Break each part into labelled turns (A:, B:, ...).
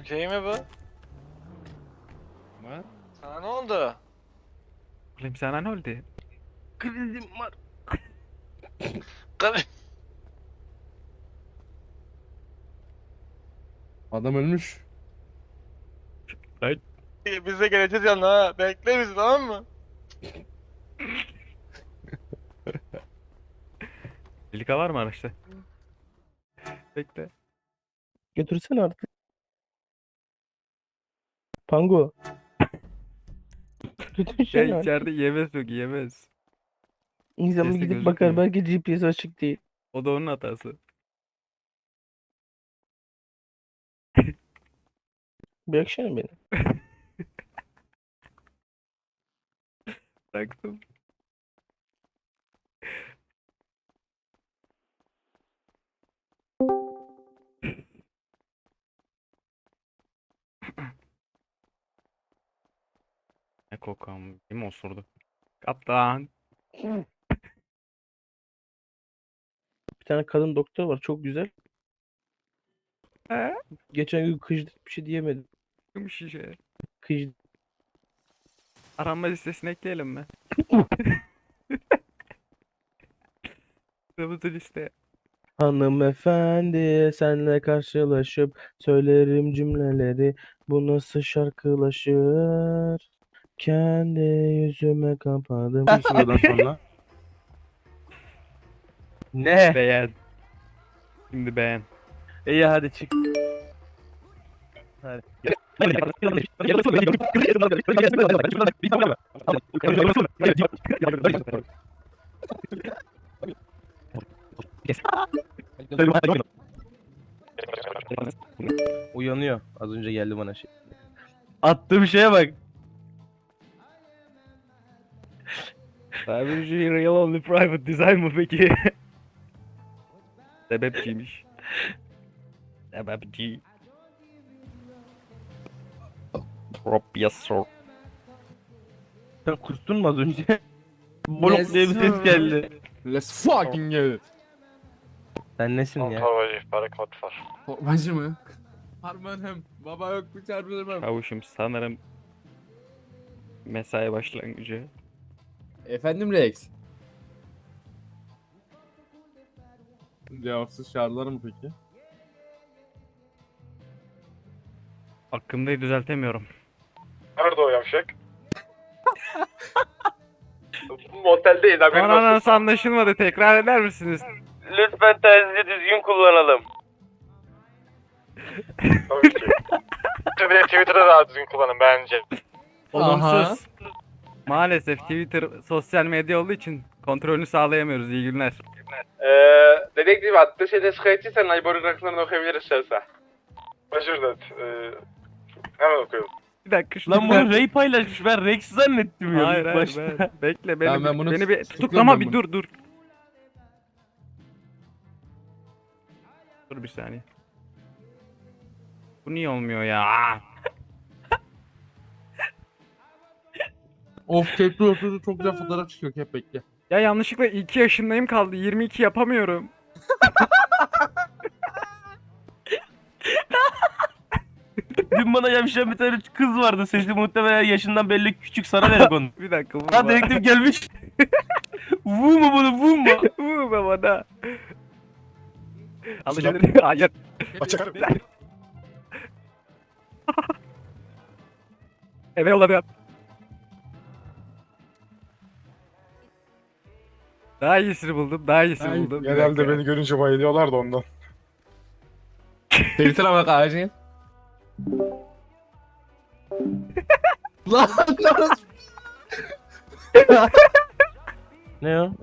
A: Okey mi bu?
B: Var.
A: Sana ne oldu?
B: Oğlum sana ne oldu?
C: Krizim var.
A: Kır-
C: Adam ölmüş.
B: Ay.
A: Biz de geleceğiz yanına ha. Bekle bizi, tamam mı?
B: Delika var mı araçta? Bekle.
C: Götürsene artık. Pango.
B: Ya
C: Götürsene artık.
B: içeride yemez yok yemez.
C: İnsan bir
B: Sesi
C: gidip bakar,
B: gözükmüyor.
C: belki GPS açık değil.
B: O da onun hatası.
C: Bıraksana beni.
B: Bıraktım. Ne kokam. Kim osurdu? Kaptan.
C: Bir tane kadın doktor var, çok güzel.
B: He?
C: Geçen gün kıжdı, bir şey diyemedim.
B: Kim şişe?
C: Kıжdı.
B: Aranma listesine ekleyelim mi? Kırmızı liste.
C: Hanımefendi, senle karşılaşıp söylerim cümleleri. Bu nasıl şarkılaşır? Kendi yüzüme kapadım. Bu sıradan sonra. Ne?
B: Beğen. Şimdi beğen.
C: İyi, hadi çık. Hadi. Uyanıyor. Az önce geldi bana şey. Attığım şeye bak.
B: Cybergy Real Only Private Design mı peki? Sebepçiymiş. Sebepçi. Yes sir.
C: Sen kustun mu az önce? Bolok diye bir ses geldi.
D: Let's fucking get it.
C: Sen nesin ya?
A: Torbacı ihbarı kod var.
D: Torbacı mı? Harmanım. Baba yok bir çarpılırım.
B: Çavuşum sanırım mesai başlangıcı.
D: Efendim Rex. Cevapsız çağrılar mı peki?
B: Hakkımdayı düzeltemiyorum.
A: Nerede o yavşak? Moteldeyiz, haberin
B: Bana
A: olsun.
B: nasıl anlaşılmadı, tekrar eder misiniz?
C: Lütfen terziyi düzgün kullanalım.
A: Tabii ki. Bir de Twitter'da daha düzgün kullanın bence.
B: Olumsuz. Maalesef Twitter sosyal medya olduğu için kontrolünü sağlayamıyoruz. İyi günler.
E: Dedektif attığı şeyde şikayetçiysen Aybor'un rakamlarını okuyabiliriz şahsa.
A: Başır da. Hemen okuyalım.
B: Bir dakika şunu
C: Lan bunu Ray paylaşmış. Ben Rex zannettim ya
B: Hayır
C: ilk
B: hayır
C: başta.
B: bekle
D: Tamam, ben bunu
B: beni bir
D: tutukluyorum
B: tutuklama
D: ben
B: bir
D: bunu.
B: dur. Dur bir saniye. Bu niye olmuyor ya?
D: Of kepli oturdu çok güzel fotoğraf çıkıyor hep bekle.
B: Ya yanlışlıkla 2 yaşındayım kaldı. 22 yapamıyorum.
C: Dün bana yavşayan bir tane kız vardı. Sesi muhtemelen yaşından belli, küçük, sana verdik onu.
B: Bir dakika vurma.
C: Ha, dedektif gelmiş. Vurma bunu, vurma.
B: Vurma bana. Alışveriş. Hayır. Eve yolladı. Daha iyisini buldum. Daha iyisini buldum. Bir
F: Genelde
B: dakika.
F: beni görünce bayılıyorlar da ondan.
D: Twitter'a bak acil. Lan orası.
C: Ne o?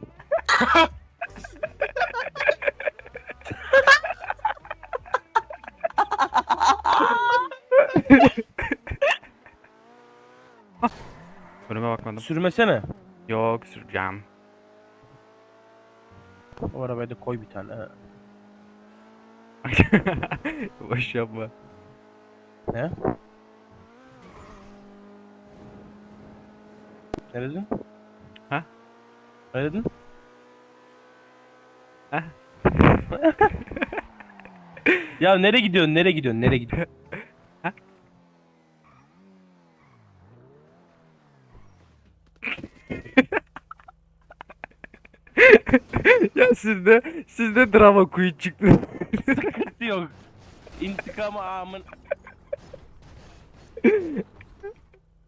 B: Önüme bakmadım.
C: Sürmesene.
B: Yok süreceğim.
C: O arabaya da koy bir tane. Ha.
B: Boş yapma.
C: Ne? Ne dedin?
B: Ha?
C: Ne dedin?
B: Ha?
C: Ya nereye gidiyorsun? Nereye gidiyorsun? Nereye gidiyorsun?
B: Ha? Ya sizde drama queen çıktı.
C: Sıkıntı yok. İntikamı amın.